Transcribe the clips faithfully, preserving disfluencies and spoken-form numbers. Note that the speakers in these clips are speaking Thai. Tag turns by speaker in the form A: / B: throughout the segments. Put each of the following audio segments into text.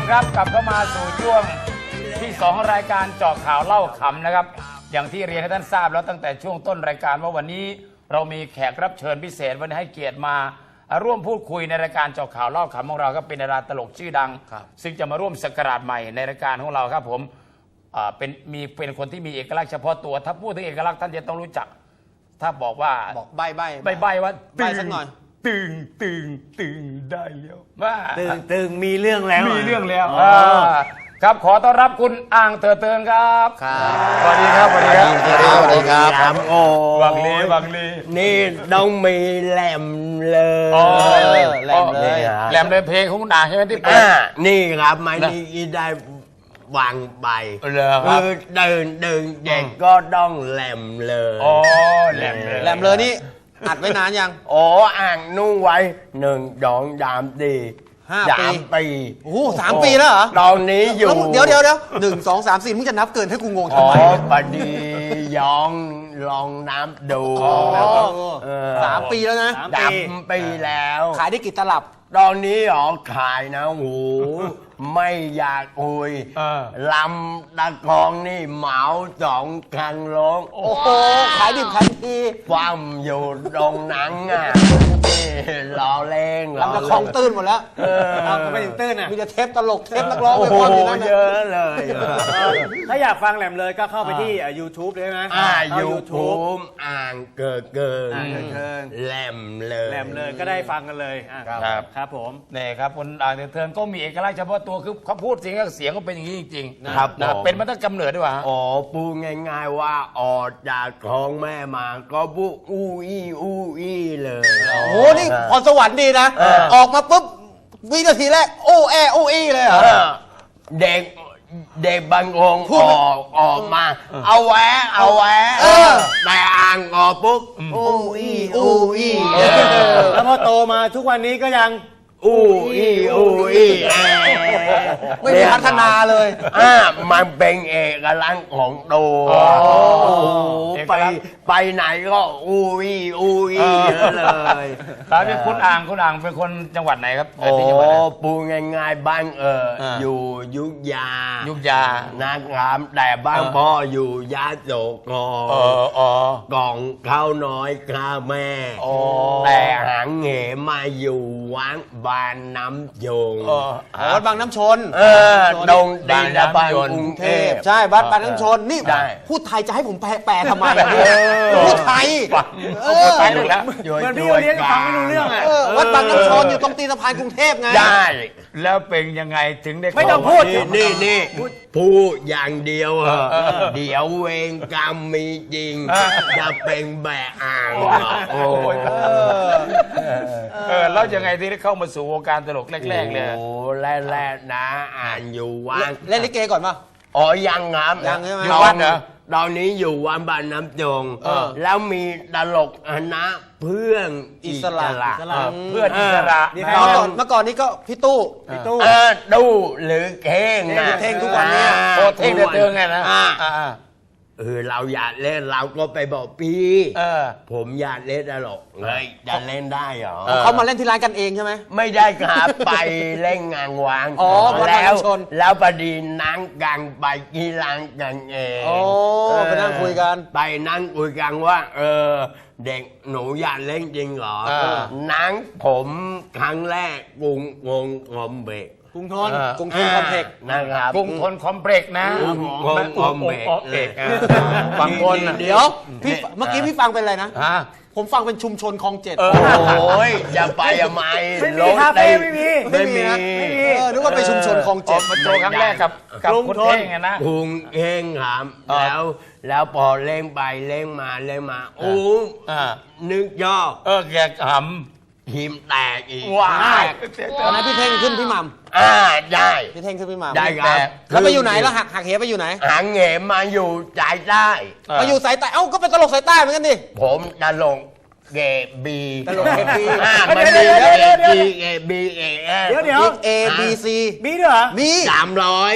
A: ครับกลับเข้ามาสู่ช่วงที่สองรายการเจาะข่าวเล่าขำนะครับอย่างที่เรียนให้ท่านทราบแล้วตั้งแต่ช่วงต้นรายการว่าวันนี้เรามีแขกรับเชิญพิเศษวันนี้ให้เกียรติมาร่วมพูดคุยในรายการเจาะข่าวเล่าขำของเราก็เป็นดาราตลกชื่อดังซึ่งจะมาร่วมสกราชใหม่ในรายการของเราครับผมเป็นมีเป็นคนที่มีเอกลักษณ์เฉพาะตัวถ้าพูดถึงเอกลักษณ์ท่านจะต้องรู้จักถ้าบอกว่า
B: บอกใบใบ
A: ใบใบว่า
B: ใบสักหน่อย
A: ตึงตึงตึงได้แล้วว่า
C: ตึงตึงมีเรื่องแล้ว
A: มีเรื่องแล้วครับขอต้อนรับคุณอ่างเตอเตินครับสวัสดีครับสวัสดีครับ
B: สวัสดีครับ
C: โอ้
A: บังลีบังลี
C: นี่ต้องมีแหลมเลย
A: แหลมเลยแหลมเลยเพลงของคุณอ่างใช่ไหมที่เป็น
C: นี่ครับไม่นี่ได้วางใบคือเดินเดินเด็กก็ต้องแหลมเลย
A: อ๋อแหลมเลย
B: แหลมเลยนี่อัดไว้นานยัง
C: อ๋ออ่างนุ่งไว้หนึ่งสองสามสี่
B: ห้าปี
C: ปี
B: โอ้โหสามปีแล้วเหรอ
C: ตอนนี้อยู่
B: เดี๋ยวเดี๋ยวเดี๋ยวหนึ่งสองสามสี่มึงจะนับเกินให้กูงงทำไม
C: อ๋อปดีย้องลองน้ำดู
B: สามปีแล้วนะ
C: สามปีแล้ว
B: ขายได้กี่ตลับ
C: ตอนนี้อ๋อขายนะโหไม่อยากคุยลำตะกองนี่เหมาสองคันร้อง
B: โอ้โหขายดิบขายดี
C: ฟั่มอยู่ตรงนั้นอ่ะรอเล่ง
B: ลำตะกองตื้นหมดแล้ว
C: เออ
B: ไม่ถึงตื้นอ่ะมีแต่เทปตลกเทปนักร้องไป
C: ฟังอยู่นั่นเยอะเลย
D: ถ้าอยากฟังแหลมเลยก็เข้าไปที่ YouTube เลยนะ
C: อ่า YouTube อ่างเกิดเกินแหลมเลย
D: แหลมเลยก็ได้ฟังกันเลย
A: ครับ
D: ครับผม
A: นี่ครับคุณอ่างเทิงก็มีเอกลักษณ์เฉพาะตัวคือเขาพูดเสียงเสียงก็เป็นอย่างนี้จริงๆ
C: นะครับ
A: เป็นมาตั้งกำเนิดด้วยวะ
C: อ๋อพูดง่ายๆว่าออกจากท้องแม่มาก็พูดอู้อี้อู้อี้เลย
B: โอ้โหนี่พรสวรรค์ดีนะออกมาปุ๊บวินาทีแรกโอ้แอโอ้อี้เลยเหรอ
C: เด็กเด็กบางองค์ออกออกมาเอาแหวะเอาแหวะแต่อ่างออกปุ๊บอู้อี้อู้อี้
D: แล้วพอโตมาทุกวันนี้ก็ยัง
C: อู้อี้อู้อี้
B: ไม่มีพัฒนาเลย
C: อ่ามันเป็นเอกลักษณ์ของตัวไปไปไหนก็อู้อี้อู้อี้เลย
A: ครับเป็นคุณอ่างคุณอ่างเป็นคนจังหวัดไหนครับ
C: โอ้ปูง่ายๆบ้านเอออยู่ยุธยา
A: ยุธยา
C: นะครับแต่บ้านพ่ออยู่ยะโสธรกล่องข้าวน้อยข้าแม่แต่หางเหมาอยู่วัดบางน้ำยง
B: วัดบางน้ำชน
C: เออดงดินบางกรุงเทพ
B: ใช่วัดบางน้ำชนนี่พูดไทยจะให้ผมแปลทำไมพูดไทย
A: พูดไทยเลยแล้ว
D: เหมือนพี่โอเลี้ยงฟังไม่รู้เรื่องอ่ะ
B: วัดบางน้ำชนอยู่ตรงตีนสะพานกรุงเทพไง
C: ได้
A: แล้วเป็นยังไงถึงได้
D: ไม่ต้องพูด
C: นี่นี่พูดอย่างเดียวเหรอเดี๋ยวเวรกรรมมีจริงจะเป็นแบะอ่าง
A: โอ้ยเออแล้วยังไงที่ได้เข้ามาสู่วงการตลกแรกๆเลย
C: โอ้แรกๆนะอ่านอยู่วัด
B: เล่นลิเกก่อนป่ะ
C: อ๋อยังครับ
B: ยังใช่ไหม
C: อยู่วัดเหรอตอนนี้อยู่วัดบางน้ำยงแล้วมีตลกคณะเพื่อนอิสระ
A: เพื่อนอิสระ
B: เมื่อก่อนเมื่อก่อนนี้ก็พี่ตู้
C: พี่ตู้ตู้หรือเท่งนะ
B: เท่งทุกวันนี้
A: โอ้เท่งเตือนไงนะ
C: เออเราอยากเล่นเราก็ไปบอกพี่ผมอยากเล่นตลกเลยจะเล่นได้เหรอ
B: เขามาเล่นที่ร้านกันเองใช่ไหม
C: ไม่ได้ครับไปเล่นงานวาง
B: แล้ว
C: แล้วพอดีนั่งกันไปที่ร้านกันเอง
B: โอ้ไปนั่งคุยกัน
C: ไปนั่งคุยกันว่าเออเด็กหนูอยากเล่นจริงเหรอนั่งผมครั้งแรกกรุงวงคอมเบก
B: กรุงทนกรุงทนคอมเพล็ก
C: นะครับ
A: กรุงทนคอมเพล็กนะ
C: กรุงทนคอมเพล็ก
A: บางคน
B: เดี๋ยวพี่เมื่อกี้พี่ฟังเป็นอะไรนะผมฟังเป็นชุมชนคลองเจ็ด
C: โอ้ยอย่าไปอย่าไม่
D: รถคาเฟ่ไม่มี
B: ไม่มีนะนึกว่าไปชุมชนคลองเจ็ด
A: มาโจครั้งแรกกับกับคุณเท่งไงนะ
C: กรุงเท่งครับแล้วแล้วพอเล่งไปเล่งมาเล่งมาโอ้นึกย่อ
A: เออแกขำ
C: ทีมแตกอีก
A: ว้าว
B: ตอนนั้นพี่เท่งขึ้นพี่หม่ำ
C: อ่าได้
B: พี่เท่งขึ้นพี่หม่ำ
C: ได้ครับ
B: แล้วไปอยู่ไหนแล้วหักหักเหไปอยู่ไหน
C: หักเหมาอยู่สายใต้
B: มาอยู่สายใต้เอ้าก็เป็นตลกสายใต้เหมือนกันดิ
C: ผมตลกเกบี
B: ตลกเกบี
C: อ่ามันมีเกบีเกบีเอ
D: เดี๋ยวเดี๋ยว
B: เอบีซี
D: มีด้วยเหรอ
C: มีสามร้อย
D: ช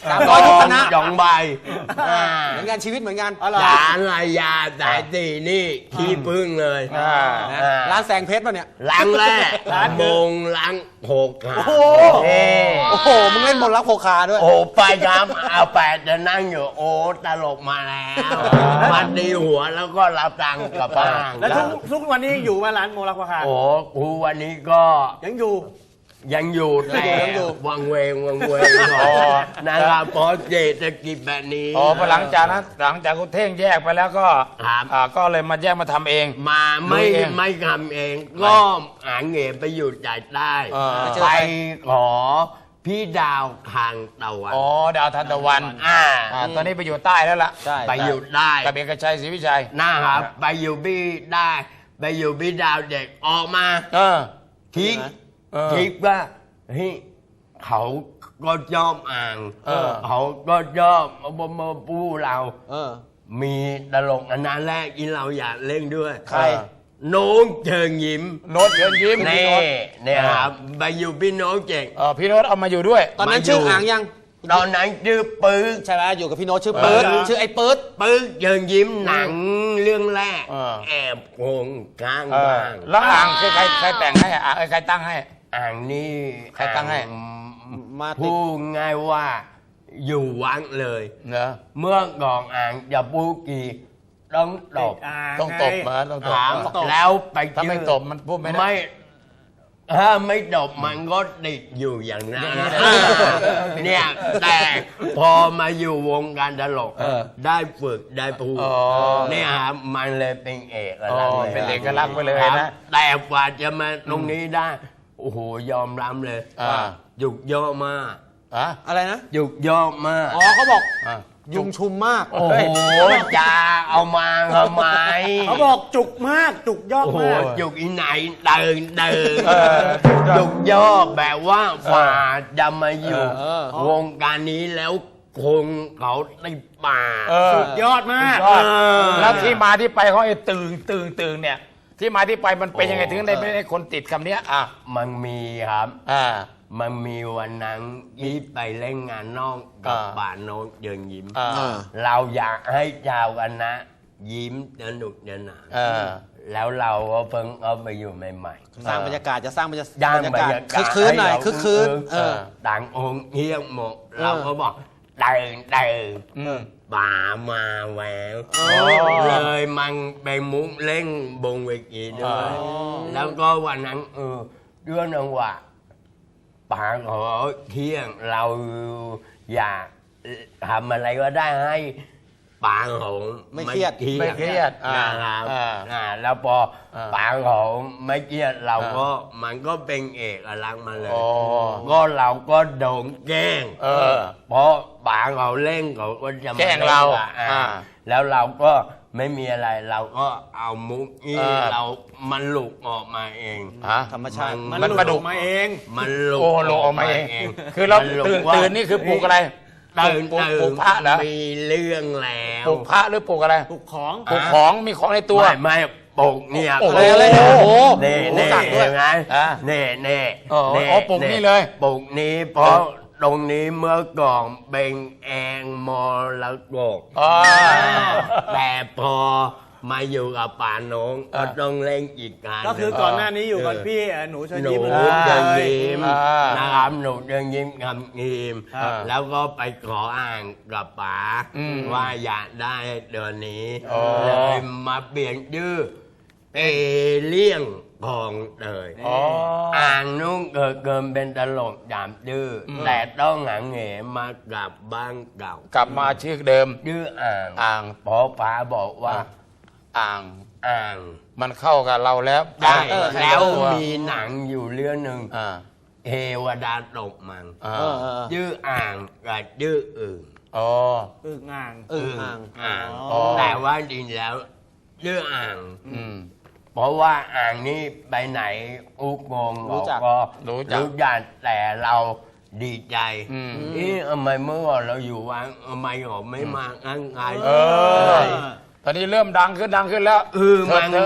B: สามร้อยทุกคณะ
C: สองใบอ่า
B: เหมือนกันชีวิตเหมือนกัน
C: จานลายยาสายตีนี่ขี้พึ่งเลย
A: อ่า
B: นะ
C: อ่า
B: ร้านแสงเพชรป่ะเนี่ย
C: ล้างแรกมงล้างหกขา
B: โอ้โห
C: เอ้
B: โอ้โหมึงเล่นมนต์รักโคคาด้วย
C: โอ้ไปครับเอาแปดจะนั่งอยู่โอ้ตลกมาแล้วมันดีหัวแล้วก็รับตังค์กลับบ้าน
D: แล้วทุกทุกวันนี้ยังอยู่มาร้านโมลักวาคา
C: โอ้ครูวันนี้ก็
D: ยังอยู่
C: ยังอยู่แต่
B: ยังอยู่
C: วังเวงวังเวงหน่อยนะครับเพราะเศรษฐกิจแบบนี้
A: อ๋อพอหลังจากนั้นหลังจากคุณเท่งแยกไปแล้วก็
C: ครับ
A: อ่าก็เลยมาแยกมาทำเอง
C: มาไม่
A: ดูเอง
C: ไม่ทำเอง ก็หาเงินไปอยู่จ่ายใต้
A: เออ
C: ไปขอพี่ดาวทางตะวัน
A: อ๋อดาวทันตะวัน
C: อ่า
A: อ่าตอนนี้ไปอยู่ใต้แล้วล่ะ
B: ใช่
C: ไปอยู่ได้
A: กับเอกชัยศรีวิชัย
C: นะครับไปอยู่พี่ได้ไปอยู่พี่ดาวเด็กออกมา
A: เออ
C: คิด
A: เออ
C: คิดว่าเฮ้ยเขาก็ชอบอ่าง
A: เออ
C: เขาก็ชอบมามาปูเรา
B: เออ
C: มีตลกอันนั้นแรกที่เราอยากเล่นด้วย
A: ใคร
C: น้องเชิงยิ้ม
A: โน้ตเชิญยิ้ม
C: นี่
A: พี่โน้ต
C: เนี่ยครับไปอยู่พี่น้องเจ๋ง
A: เออพี่โน้ตเอามาอยู่ด้วย
B: ตอนนั้น
C: มาอยู่
B: ชื่ออ่างยัง
C: ตอนนั้นชื่อปื๊ก
B: ใช่ไหมอยู่กับพี่โน้ตชื่อเปิด
A: เออ
B: ชื่อไอ้เปิด
C: ปื๊กเชิงยิ้มหนังเรื่องแรก
A: เออ
C: แอบโกงข้าง
A: เออ
C: บ้าง
A: แล้วอ่างคือใครใครแต่งให้อ่ะอ่างเอ้ยใครตั้งให้
C: อ่างนี่
A: ใครตั้งให้
C: อ่
B: มาติด
C: พูดง่ายว่าอยู่วังเลย
A: เนอะ
C: เมื่อก่อนอ่างจะพูดกี่ต้องตบ
D: อ่า
A: ต้องตบมาต้องตบ
C: ถาม
D: ตบ
C: แล้วไป
A: ถ้าไม่
C: ชื่อ
A: ตบมันพูดไม่ได้
C: ไม่ถ้าไม่ตบมันก็ติดอยู่อย่างนั้น
A: อย่างนี้นะ
C: เนี่ยแต่พอมาอยู่วงการตลก
A: เออ
C: ได้ฝึกได้พูด
A: อ๋อ
C: เนี่ยครับมันเลยเป็นเอก
A: อ๋อ
C: ลักษณ์ลย
A: เป็นเอกลักษณ์ไปเลย
C: ครับ
A: นะ
C: แต่กว่าจะมาตรงนี้ได้โอ้โหยอมรับเลย
A: อ่า
C: หยุกย่อมาก
A: อ่ะ
B: อะไรนะ
C: หยุกย่อมาก
B: อ๋อเขาบอก
A: อ่ะ
B: ยุงชุมมาก
C: โอ้โหจะเอามาทำไม
D: เขาบอกจุกมากจุกยอด
C: โอ้โห
D: มาก
C: หยุกอีไหนเดินเดิน
A: เออ
C: หยุกย่อแบบว่าฝ่าจะมาอยู่
B: เออ
C: วงการนี้แล้วคงเขาในป่า
A: เออ
D: สุดยอดมาก
A: ยอด
C: เออ
A: แล้วที่มาที่ไปเขาไอ้ตึงตึงตึงเนี่ย ที่มาที่ไปมันเป็นยังไง
C: โอ้
A: ถึงได้ไม่ได้คนติดคำเนี้ยอ่ะ
C: มันมีครับ
A: อ่า
C: มันมีวันนั้นที่ไปเล่นงานนอกกับ
A: อ่า
C: ป่าโนกเยินยิ้ม
A: อ่า
B: อ่า
C: เราอยากให้ชาวคณะยิ้มสนุกสนาน
A: เออ
C: แล้วเราก็เพิ่งเอาไปอยู่ใหม่
B: สร้างบรรยากาศจะสร้างบรรยา
C: ๆย่าง
B: บรร
C: บร
B: ยาร กาศ
C: ยากา
B: คึ
C: ศ
B: กคืนหน่อย
C: ให้เรา
B: คึกคืน
C: คึก
B: เออ
C: ต่างองค์เฮียงหมด
B: เออ
C: เราก็บอกเดินเดิน
A: อืม
C: ป่ามาแหวว
A: อ๋อ
C: เลยมันไปมุกเล่นบนเวทีด้วย
A: อ๋อ
C: แล้วก็วันนั้นเออเรื่องนึงว่าป่าขอเที่ยงเราอยากทำอะไรก็ได้ให้ป่าของ
B: ไม่เครียด
A: ไม่เครียดอ่า
C: นะครับ
A: อ่า
C: อ่าแล้วพออา ป่าของไม่เครียดเรา
A: อ่า
C: ก็มันก็เป็นเอกลักษณ์มาเลย
A: อ๋อ
C: ก็เราก็โดนแกล้ง
A: เออ
C: เพราะป่าเขาเล่นเขาก็จะม
A: แกล้งเรา
C: ล่นอ่ะ
A: อ่า
C: แล้วเราก็ไม่มีอะไรเราก็เอามุกที่
A: เออ
C: เรามันหลุกออกมาเอง
A: ฮะ
B: ธรรมชาติ
D: มัน
A: มัน
D: หลุด
A: ประดุ
D: อก อกมาเอง
C: มันหลุก
A: โอ้โหลงออกมาเอง คือเรา
C: มันหลุก
A: ตื่น
C: ว่า
A: ตื่นนี่คือปลูกอะไร
C: ตื่น
A: ปลูก
C: ตื่
A: ปลู
C: น
A: กพระเหรอ
C: มีเรื่องแล้ว
A: ปลูกพระหรือปลูกอะไร
D: ปลุกของ
A: ปลูกของมีของในตัว
C: ไม่ไม่ปลูกเนี่ย
A: โอ้โห
B: อะไรอะไรโอ้โห
C: เน่
B: โอ้โห
C: เน่
B: สั่งด้วย
C: เห็นไหม
A: อ่ะ
C: เน่เน่
A: อ๋อ
C: เน่
A: อ๋อปลูกนี่เลย
C: ปลูกนี้เพราะตรงนี้เมื่อก่อนเป็นแองมรกต
A: อ๋อ
C: แต่พอมาอยู่กับป่าน้องก็ต้องเล่นอีกงาน
D: ก็คือก่อนหน้านี้อยู่กับพี่เอ่อหนูเชิญ
C: หนู
D: ยิ้ม
C: เดิน
D: เลย
C: ยิ้ม
A: อ่า
C: นะครับหนูเดินยิ้มคำยิ้ม
A: อ่า
C: แล้วก็ไปขออ่านกับป๋า
A: อืม
C: ว่าอยากได้เดือนนี้
A: อ๋อ
C: เลยมาเปลี่ยนชื่อเอเลี่ยงพองเตย
A: อ๋อ
C: อ่างนุ่งเกิดเกินเป็นตลกยามดื้ออ
A: ม
C: แต่ต้องหาเหงมากลับบ้านเก่าก
A: ลับมาชื่อเดิม
C: ดื้ออ่าง
A: อ่าง
C: เพอป๋าบอกว่า
A: อ่าง
C: อ่าง
A: มันเข้ากับเราแล้ว
C: ได้
A: เออ
C: แล้ว
A: ตัว
C: มีหนังอยู่เรื่องหนึ่ง
A: อ่า
C: เทวดาตกมัง
A: อ่า
B: เออเออ
C: ดื้ออ่างกับดื้ออึ่ง
A: อ๋อ
D: อึ่งอ่าง
B: เอออ่าง
C: อ่าง
A: อ๋อ
C: แต่ว่าจริงแล้วดื้ออ่าง
A: อืม
C: เพราะว่าอ่างนี่ไปไหนอุกงง
B: รู้จัก
C: ก็
A: รู้จัก
C: รู้จักแต่เราดีใจ
A: อืม
C: เอ๊ะทำไมเมื่อก่อนเราอยู่วังทำไมเขาไม่มาอ้างไง
A: เออ ตอนนี้เริ่มดังขึ้นดังขึ้นแล้ว
C: เออมัน
A: เถิด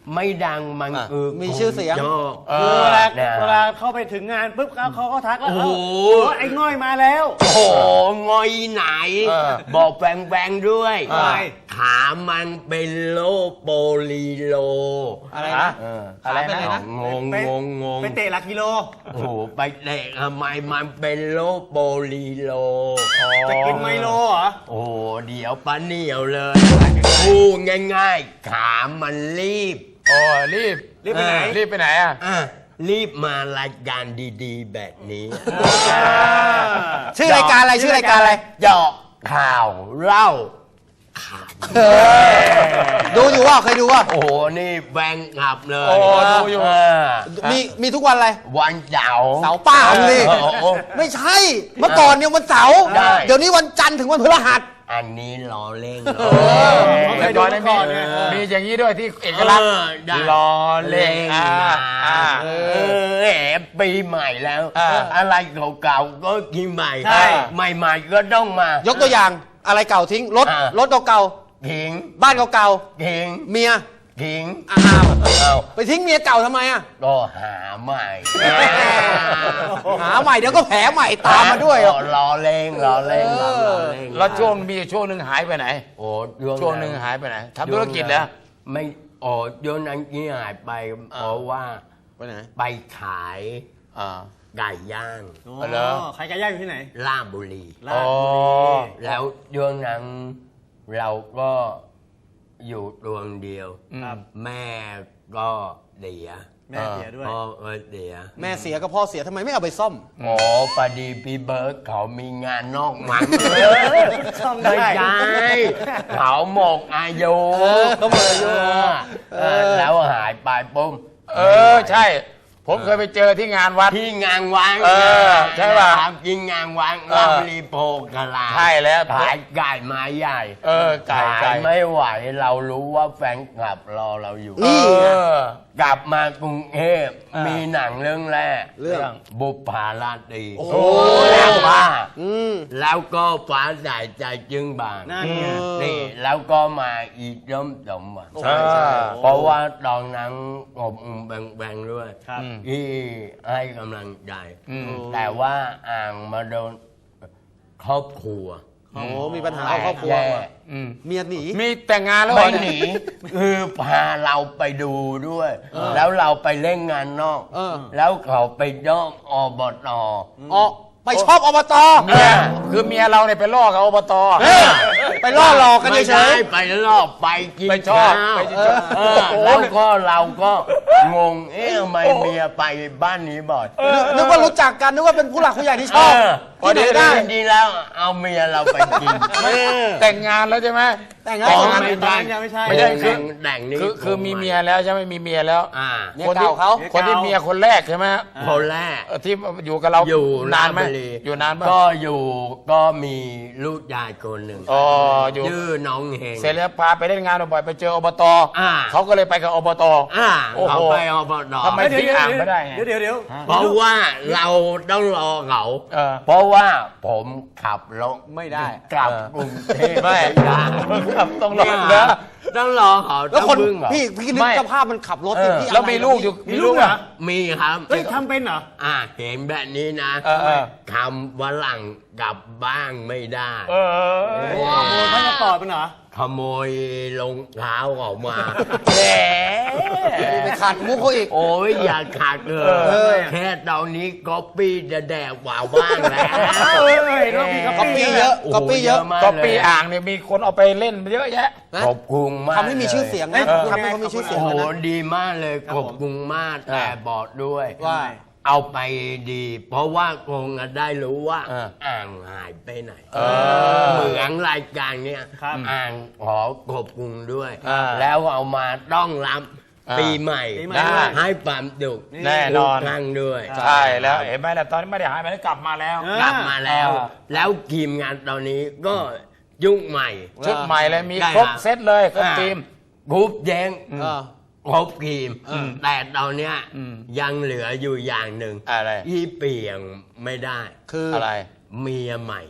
C: ไม่ดังมัน
B: อ่ะ
C: คือ
B: มีชื่อเสียง
C: โยก
D: คือเวลา
C: เนี่ย
D: เวลาเข้าไปถึงงานปุ๊บเขาเขาก็ทักแล้ว
C: โอ้โห
D: เอ้าไอ้ง่อยมาแล้ว
C: โอ้โหงอยไหน
A: เออ
C: บอกแบงๆด้วย
D: อะไร
C: ขามันเป็นโลโปลีโล
B: อะไร
A: ฮะ
B: นะ
C: เออ
A: อะไร
B: เป็น
A: นะ
B: อะไรนะ
C: งง
D: ไป
C: งงงง
D: ไปเตะหลักกิโล
C: โอ้โหไปเตะทำไมมันเป็นโลโปลีโล
D: จะกินไมโลเหรอ
C: โอ้โหเดี๋ยวป้าเหนียวเลยพูดง่ายๆ ขามันรีบ
A: โอ้รีบ
D: รีบไปไหน
A: รีบไปไหนอ่ะ
C: อ่ะรีบมารายการดีๆ แบบนี้
B: ชื่อรายการอะไรชื่อรายการอะไร
C: เจาะข่าวเล่าข่าว
B: ดูอยู่ว่าเคยดูว่า
C: โอ้โห นี่แบงขับเลย
A: โอ้ดูอยู่
C: เ
B: มีมีทุกวันอะไร
C: วันเสาร์
B: เสาร์ป้ามึงดิ
C: เออโอ้โห
B: ไม่ใช่ เมื่อก่อนเนี่ยวันเสาร์
C: ได้
B: เดี๋ยวนี้วันจันทร์ถึงวันพฤหัส
C: อันนี้ล้อเล่น
A: เออ
D: เคยดู
A: ก่อนได้
D: ก่
A: มี
D: อนไง
A: มีอย่างนี้ด้วยที่เอกลักษณ์
C: เออได้
A: รอเล่นอ่าอ่า
C: เออแหมปีใหม่แล้ว
A: อ่า
C: อะไรเก่าๆก็กินใหม่
D: ใช่
C: ใหม่ๆก็ต้องมาย
B: กตัวอย่างอะไรเก่าทิ้งรถ
C: อ่า
B: รถเก่า
C: ทิ้ง
B: ๆบ้านเก่า
C: ทิ้ง
B: ๆเมีย
C: ทิ้ง
B: อ้าว
C: เอา
B: ไปทิ้งเมียเก่าทำไมอ่ะ
C: ก็หาใหม่
B: หาใหม่เดี๋ยวก็แผลใหม่ตามมาด้วย
C: รอรอเล่งรอเล่งรอเล่ง
A: แล้วช่วงมีช่วงหนึ่งหายไปไหน
C: โอ้
A: ช่วงหนึ่งหายไปไหนทำธุรกิจแล้ว
C: ไม่โอ้ยนนั้นที่หายไปเพราะว่า
B: ไปไหน
C: ไปขาย
A: อ่า
C: ไก่ย่าง
D: อ๋
A: เหรอ
D: อใครไก่ย่างอยู่ที่ไหน
C: ลาดบุรี
D: ลาดบุรี
C: แล้วช่วงนั้นเราก็อยู่ดวงเดียว
A: ครับ
C: แม่ก็เสีย
D: แม่เสียด้วย
C: พ่อก็เสีย
B: แม่เสียกับพ่อเสียทำไมไม่เอาไปซ่อม
C: โอ้พอดีพี่เบิร์ดเขามีงานนอกมัน
D: ซ่อมได้
C: ไม่ใช่เขาหมกอายุ
B: เออเขาหมดอายุ
C: เออแล้วหายไปปุ๊บ
A: เออใช่ ผมเคยไปเจอที่งานวัด
C: ที่งานวัง
A: เออใช่ป่ะ
C: ครับกินงานวัง
A: เออ
C: ลาบรีโพกะลา
A: ใช่แล้ว
C: ขายไก่ไม้ใหญ่
A: เออไก่ไก่
C: ขายไม่ไหวเรารู้ว่าแฟนคลับรอเราอยู่
B: นี่ไง
A: เออ
C: กลับมากรุงเทพ
A: อ่ามี
C: มีหนังเรื่องแรก
B: เรื่อง
C: บุปผาราตรี
B: โอ้โห
C: แล้วว่า
B: อืม
C: แล้วก็ฟ้าใสใจจึงบาน
D: นั่นไง
C: นี่แล้วก็มาอีกย่อมสมหวัง
B: ใช่ใช่
C: เพราะว่าตอนนั้นผมแบ่งๆด้วย
D: ครับ
C: ที่ให้กำลังใจ
A: อืม
C: แต่ว่าอ่างมาโดนครอบครัว
B: โอ้มีปัญหาเอาครอบครัว
C: แย่
B: มา
A: อืม
B: เมียหนี
A: มีแต่งงานแล้วเหร
C: ไม่
A: อ
C: หนี คือพาเราไปดูด้วย แล้วเราไปเล่นงานนอก
B: เออ
C: แล้วเขาไปย่อมอบต
B: อ๋อไปชอบอบต
A: เมียคือเมียเราเนี่ยไปล่อกับอบต
B: เฮ้ยไปล่อหลอกกัน
C: ไม่
B: เฉ
C: ใช่
B: ย
C: ไปรอบไปกิน
A: ไปชอบ
C: ข้าว
A: ไปชอบ
C: เออแล้วก็เราก็งง เอ๊ะทำไมเมียไปบ้านนี้บ่อย
B: ๆนึกว่ารู้จักกันนึกว่าเป็นผู้หลักผู้ใหญ่ที่ชอบ
C: เออ
B: ที่ไหนได้
C: จริงๆแล้วเอาเมียเราไปกิน
A: แต่งงานแล้วใช่ไหม
B: แต่งงาน
C: อ๋อ
B: แต่งงาน
C: ไม่ใช่
D: ยังไม่ใช่
A: ไม่ใช่คือ
C: แต่งนี่
A: คือคือมีเมียแล้วใช่ไหมมีเมียแล้ว
C: อ่า
B: เมียเก่าเขา
A: คนที่เมียคนแรกใช่ไหม
C: คนแรก
A: เออที่อยู่กับเรา
C: อยู่
A: นานไหม
C: ลพบุรี
A: อยู่นานปะ
C: ก็อยู่ก็มีลูกยายคนหนึ่ง
A: อ๋ออยู่
C: ชื่อน้องเฮง
A: เสร็จแล้วพาไปเล่นงานบ่อยๆไปเจออบต
C: อ่า
A: เขาก็เลยไปกับอบต
C: อ่า
A: โอ้โห
C: เขาไปอบต
A: ทำไม
D: เดี๋ยว
A: ทิ้งอ่างไม่ได้ไง
D: เดี๋ยวเดี๋ยวเดี๋ยว
C: เพราะว่าเราต้องรอเขา
A: เออ
C: เพราะว่าผมขับรถ
B: ไม่ได้
C: กลับ
A: เออก
C: รุงเทพ
A: ไม่
C: ได้
A: ครับต้องรอ
C: เนี่ย
A: นะ
C: ต้องรอเขา
B: แล้ว
C: ต้อง
B: คน
C: พึ่งเขา
B: พี่พี่นึก
A: ไม่
B: สภาพมันขับรถ
C: เออ
B: ที่
A: แล้วมีลูกอยู่
D: มีลูกเหรอ
C: มีครับ
D: เฮ้ยทำเป็นเหรอ
C: อ่าเห็นแบบนี้นะ
A: เออเออ
C: ทำวันหลังกลับบ้างไม่ได้
A: เออ
D: ขโมยพาสปอร์ตเป็นเหรอ
C: ขโมยรองเท้าออกมา
A: แหม
B: ไปขัดมุกเขาอีก
C: โอ้ยอย่าขาดเล
A: เออ
C: ยแค่ตอนนี้ก๊อปปี้จะแดกว่าบ้างแล้ว
D: เอ้ยรอบนี้
B: ก๊อปปี้เยอะ
C: โโห
B: ก๊อปปี้เยอะ
C: มาก
A: ก็
C: เลย
A: ปีอ่างเนี่ยมีคนเอาไปเล่นเยอะแยะ
B: นะ
C: ขอบคุณมาก
B: ทำให้มีชื่อเสียงนะ
D: เอ้ย
B: ทำให้เขามีชื่อเสียง
C: โอ้โห
B: นะ
C: ดีมากเลยขอบคุณมากแต่บอกด้วย
B: ว่า
C: เอาไปดี เพราะว่าคงจะได้รู้ว่า
A: เออ
C: อ่างหายไปไหน
A: เออ
C: เหมือนรายการเนี้ย
D: ครับ
C: อ่างขอขอบคุณด้วย
A: อ่า
C: แล้วเอามาต้องรับ
A: อ่า
C: ปีใหม่
D: ปีใหม่
A: ได้
C: ให้ความดุก
A: แน่นอน
C: ทุกครั้งด้วย
A: ใช่แล้วเห็นไหมล่ะตอนนี้ไม่ได้หายไปแล้วกลับมาแล้ว
D: เออ
C: กลับมาแล้ว
A: อ่า
C: แล้วทีมงานตอนนี้ก็ยุ่งใหม่
A: ชุดใหม่เลยมี
C: ได้
A: ครบ
C: ครับ
A: เซตเลยครบ
C: อ่า
A: ทีม
C: กรุ๊ปแย้ง
B: เออ
C: ครบทีม
B: อืม
C: แต่ตอนเนี้ย
A: อืม
C: ยังเหลืออยู่อย่างหนึ่ง
A: อะไร
C: ที่เปลี่ยนไม่ได้
B: คือ
A: อะไร
C: เมียใหม่
A: โอ้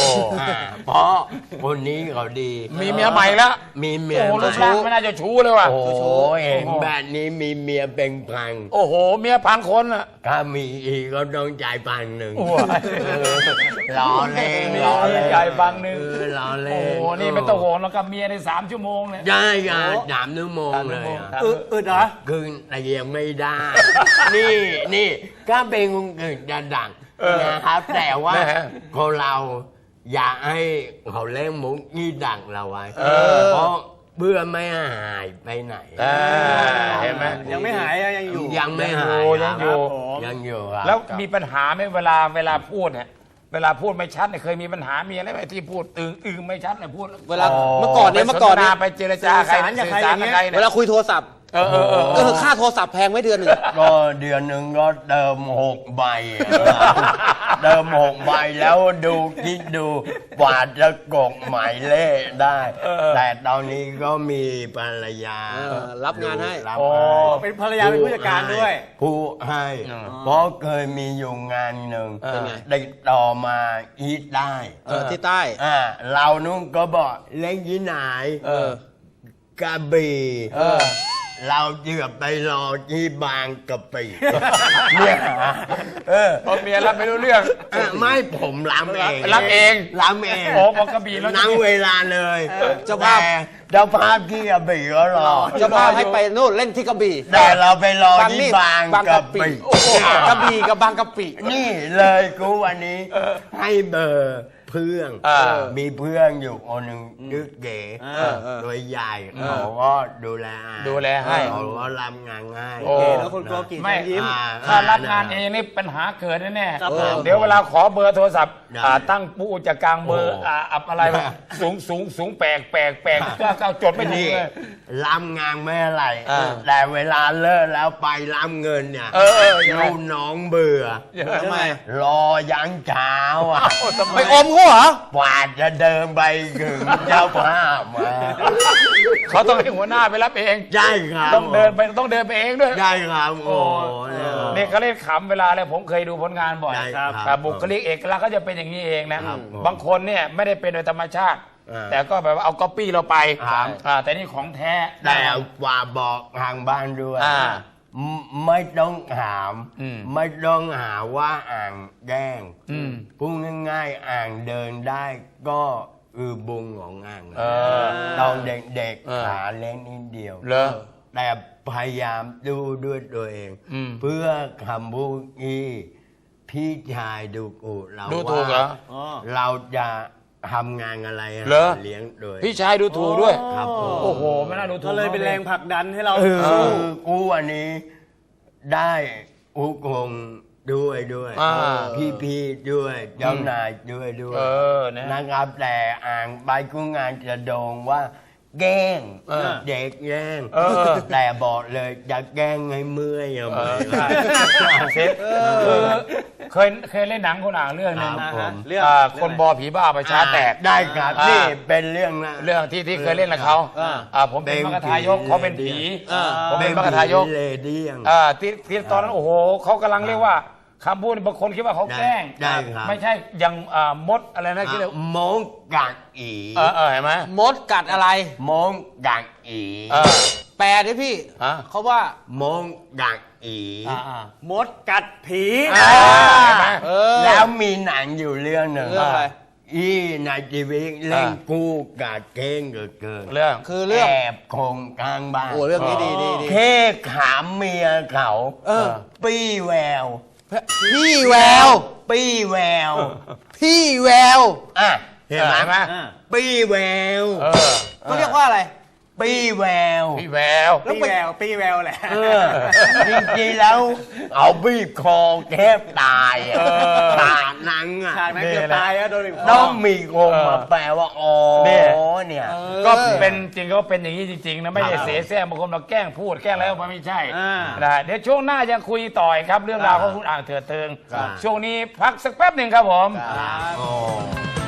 C: อ่าเพราะคนนี้เขาดี
A: มีเมียใหม่แล้ว
C: มีเมี
A: โอ้
C: ย
A: โห
C: ให
A: รู
C: ม่
A: ปร่างไม่น่าจะชู้เลยว่ะ
C: โอ้โหเห็นแบบนี้มีเมียเป็นพัน
A: โอ้โห เมียพันคนอ่ะ
C: ถ้ามีอีกก็ต้องจ่ายพันหนึ่ง
A: โอ้ย
C: ล้อเล่น
A: มี
C: ล้อเล่น
A: จ่ายพันหนึ่ง
C: เออล้อ
A: โอ้
C: เล่น
A: โห นี่ไม่ต้องห่วงแล้วกับเมียในสามชั่วโมงเลย
C: ได้กันสามชั่วโมงเลย
A: ครับ
C: อะ
D: อึอึดเหรอ
C: คือแต่ยังไม่ได้ นี่นี่ก็เป็นคนอื่นจะดังนะครับ แต่ว่า
A: นะฮะ
C: คนเราอยากให้เขาเล่นมุกนี่ดังเราไว้
A: เออ
C: เพราะเบื่อไม่หายไปไหน
A: อ่าเห็นไหม
D: ยังไม่หายยังอยู่
C: ยังไม่หาย
A: ยังอยู่
C: ครับยังอยู่ครับ
A: แล้วมีปัญหาไหมเวลาเวลาพูดเนี่ยเวลาพูดไม่ชัดเนี่ยเคยมีปัญหามีอะไรไหมที่พูดอึงอึงไม่ชัดเนี่ยพูด
B: เวลาเมื่อก่อนเนี่ยเมื่อก่อนเนี่ย
A: ไปเจรจาใคร
D: สื่อสารกับใคร
A: สื่อสาร
D: อย่างเงี้
A: กับ
D: ย
A: ใครเนี่
B: เวย ลาคุยโทรศัพท์
A: เออเออเออ
B: เออค่าโทรศัพท์แพงไหมเดือนหนึ่ง
C: ก็เดือนหนึ่งก็เติมหกใบอะเติมหกใบแล้วดูคิดดูกว่าจะกดหมายเลขได้ แต่ตอนนี้ก็มีภรรยา
B: เออรับงานให้
C: รับ
A: โอ้
C: ให้
D: เป็นภรรยาเป็นผู้จัดการด้วย
C: ผู้ให้เพราะเคยมีอยู่งานหนึ่ง
B: เป็นไง
C: ได้ต่อมาอีทได้
B: เออที่ใต้
C: อ่าเรานุ่งก็บอกเล่นที่ไหน
B: เออ
C: กระบี่
A: เออ
C: เราเยือบไปรอที่บางกะปิเนี่ยเออ
A: พอเมียรับไม่รู้เรื่อง
C: อ่ะไม่ผมล้ำเอง
A: รับเอง
C: ล้ำเอง
A: โอ้บอกกระบี่แล้ว
C: นั่งเวลาเลย
B: เจ้าภาพ
C: แต่เจ้าภาพที่กระบี่ก็รอ
B: จะพาให้ไปนู่นเล่นที่กระบี่
C: แต่เราไปรอ
B: ฟัง
C: ที่
B: นี่
C: บาง
B: บาง
C: กะ
B: กะปิ
C: ปิ
B: โอ้โหกระบี่กับบางกะปิ
C: นี่เลยกูวันนี้ให้เบอร์เพื่อน
A: อ่า
C: มีเพื่อนอยู่คนหนึ่งชื่อเก๋
B: เออเออ
C: โดยใหญ่เขาก็ดูแล
A: ดูแลให้
C: เขาก็รับงานง่าย
A: โอ้
D: เก๋แล้วคนโกกิ
A: ไม่
D: ยิ้ม
C: อ่
A: ถ้ารับงานเองนี่ปัญหาเกิดแน่
D: ครับ
A: ๆ
D: ผม
A: เดี๋ยวเวลาขอเบอร์โทรศัพท์
C: ได้
A: อ่าตั้งปูจะกลางเบอร์
C: โอ้
A: อ่าอับอะไรวะสูงสูงสูงแปลกแปลกแปลกก็ก็จดไม่ถู
C: นี่
A: กเลย
C: รับงานไม่อะไร
A: อ่า
C: แต่เวลาเลิกแล้วไปรับเงินเนี่ย
A: เออเออยังไง
C: ลูกน้องเบื่อ
B: ทำไม
C: รอยันเช้าอ่ะ
A: โอ้ทำไม
B: ไปอมเขาเหรอ
C: กว่าจะเดินไปถึงเจ้าภาพมา
A: เขาต้องให้หัวหน้าไปรับเอง
C: ใช่ครับ
A: ต้องเดินไปต้องเดินไปเองด้วย
C: ใช่ครับโอ้เนี่ย
A: นี่เขาเล่นขำเวลาเลยผมเคยดูผลงานบ่อย
C: ใช่ครับ
A: อ่าบุคลิกเอกลักษณ์ก็จะเป็นอย่างนี้เองนะครับ
C: ผม
A: บางคนเนี่ยไม่ได้เป็นโดยธรรมชาติ
C: อ่า
A: แต่ก็แบบว่าเอาก๊อปปี้เราไป
C: ครับ
A: อ่าแต่นี่ของแท้
C: แต่ว่าบอกทางบ้านด้วย
A: อ่า
C: ไม่ไม่ต้องถาม
A: อืม
C: ไม่ต้องหาว่าอ่างแกล้ง
A: อืม
C: พูดง่ายๆอ่างเดินได้ก็คือบุงของอ่าง
A: เออ
C: ตอนเด็ก
A: เออ
C: ๆขาเล็กนิดเดียว
A: เหรอ
C: แต่พยายามดูด้วยตัวเอง
A: อืม
C: เพื่อคำพูดที่พี่ชายดูกูเรา
A: ดูถูกเหรอ
C: ว่าเราจะทำงานอะไร
A: เหรอ
C: เลี้ยงโดย
A: พี่ชายดูถูกด้วย
C: ครับผม
A: โอ้โหไม่น่าดูถูก
D: ก็เลยเป็นแรงผลักดันให้เรา
C: เอ
D: สู้
C: อกูวันนี้ได้อุกงด้วยด้วย
A: อ่า
C: พี่พี่ๆด้วยเจ้านายด้วยด้วย
A: เออนะ
C: นะครับแต่อ่างใบกุ้งงานจะโดงว่า แกล้ง
A: เออ
C: เด็กแกล้ง
A: เออ
C: แต่บอกเลยจะแกล้งให้เมื่อยอะไหม
A: เซฟคือเคยเคยเล่นหนังคนอ่างเรื่องหนึง
C: ครับผม
D: เรื่อง
A: อ่า
D: เรื่
A: ค
D: อง
A: น
D: อะไร
A: บอผีบ้าประชาแตก
C: ได้ครับ
A: อ่านี่
C: นี่เป็นเรื่องนะ
A: เรื่องที่ที่เคยเล่นกับเขา
B: อ่า
A: อ่าผมเป็นมรรคทายกเขาเป็นผี
B: อ่า
A: ผมเป็นมรรคทายก
C: เลเดียง
A: อ่าที่ที่ตอนนั้นโอ้โหเขากำลังเรียกว่าคำพูดนี่บางคนคิดว่าเขาแกล้ง
C: ได้ได้ครับ
A: ไม่ใช่อย่างอ่ามดอะไรนะคิดเลย
C: มงกักอี
A: เออเออเห็นไหม
B: มดกัดอะไร
C: มงกักอี
A: เออ
B: แปลดิพี่
A: ฮะ
B: เขาว่า
C: มงกักอี
A: อ่าอ่า
D: มดกัดผี
A: อ่าเห็นไหม
B: เออ
C: แล้วมีหนังอยู่เรื่องหนึ่ง
B: เรื่องอะไร
C: อีนายชีวิตเล่นกู้กัดเก้งเกิดเกิน
A: เรื่อง
B: คือเรื่อง
C: แอบคงกลางบ้าน
B: โอ้เรื่องนี้ดีดีดี
C: แค่ขามเมียเขา
B: เออ
C: ปี้แวว
B: พี่แวว
C: ปี้แวว
B: พี่แวว
C: อ่ะเห็นไหม
A: เห็นไหม
D: อ่า
C: ปี้แวว
A: เออ
B: เขาเรียกว่าอะไร
C: ปี้แวว
A: พี่แวว
D: ปีแววปีแววแหละ
C: เออจริงๆแล้วเอาบีบคอแทบตายอ่ะ
A: เออ
C: ตาหนังอ่ะ
D: ฉากนั้นเกือบตายอะโดนบีบค
C: ต้
D: อ
C: องมีคมมาแปลว่าอ๋อ
A: เนี่ย
C: เนี่ย
A: ก็เป็นจริงก็เป็นอย่างนี้จริงๆนะไม่ใช่
C: ครับ
A: เสแสร้งบางคนเราแกล้งพูดแกล้งอะไรออกมาไม่ใช่
D: อ่า
A: นะฮะเดี๋ยวช่วงหน้ายังคุยต่อยครับ เรื่องราวของคุณอ่างเถิดเทิง
C: ครับ
A: ช่วงนี้พักสักแป๊บหนึ่งครับผม
C: โอ้